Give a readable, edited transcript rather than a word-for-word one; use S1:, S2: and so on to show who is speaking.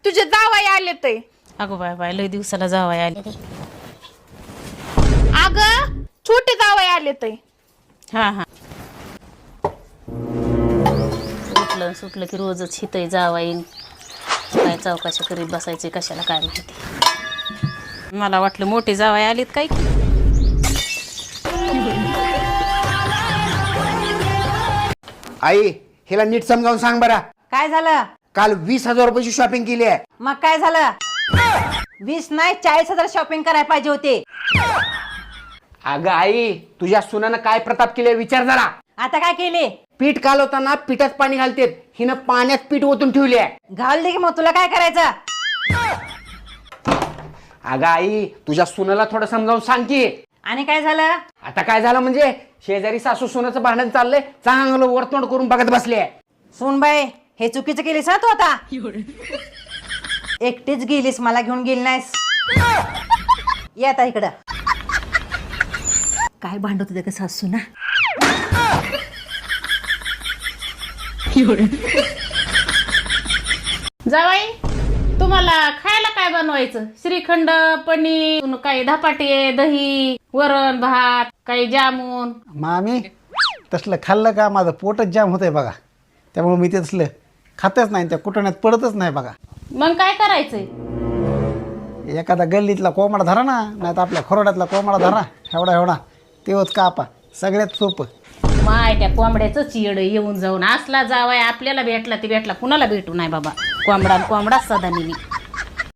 S1: तुझे जावाई आले ते.
S2: अगो बाय बाय लय दिवसाला जावाय आले.
S1: अगं छोटे जावाई आले ते.
S2: हा हा उठलं सुटलं की रोजच हितय जावाईन काय चौकाशी करीत बसायचे कशाला काय माहिती. मला वाटलं मोठे जावाय आलेत काय की.
S3: आई हिला नीट समजावून सांग बरा.
S4: काय झालं?
S3: काल 20,000 रुपयाची शॉपिंग केली आहे.
S4: मग काय झालं? 20 नाही 40,000 शॉपिंग करायला पाहिजे होते.
S3: अगं आई तुझ्या सुनानं काय प्रताप केले विचार जरा.
S4: आता काय केले?
S3: पीठ कालवताना पिठात पाणी घालतेत, हिनं पाण्यात पीठ ओतून ठेवले आहे.
S4: घाल दे की मग तुला काय करायचं?
S3: अगं आई तुझ्या सुनाला थोडं समजावून सांग की.
S4: आणि काय झालं?
S3: आता काय झालं म्हणजे शेजारी सासू सुनाचं भांडण चाललंय, चांगलं वरतोंड करून बघत बसले.
S4: सुनबाई हे चुकीचं केलीस ना तू आता. एकटीच गेलीस मला घेऊन गेली नाहीस. ये आता इकडं. काय भांडत होते का सासू ना?
S2: जावाई तुम्हाला खायला काय बनवायचं? श्रीखंड, पनीर, काही धपाटे, दही, वरण भात, काही जामून.
S5: मामी तसलं खाल्लं का माझं पोटच जाम होतंय बघा. त्यामुळे मी ते तसलं खातच नाही, त्या कुटण्यात पडतच नाही बघा.
S2: मग काय करायचंय?
S5: एखादा गल्लीतला कोंबडा धरा ना, नाही तर आपल्या खोरड्यातला कोंबडा धरा, एवढा एवढा तेवच कापा, सगळ्यात सोपं.
S2: माय त्या कोंबड्याचं चिड येऊन जाऊन असला जावाय आपल्याला भेटला ती भेटला कुणाला भेटू नाही बाबा. कोंबडा कोंबडा सदा नेहमी.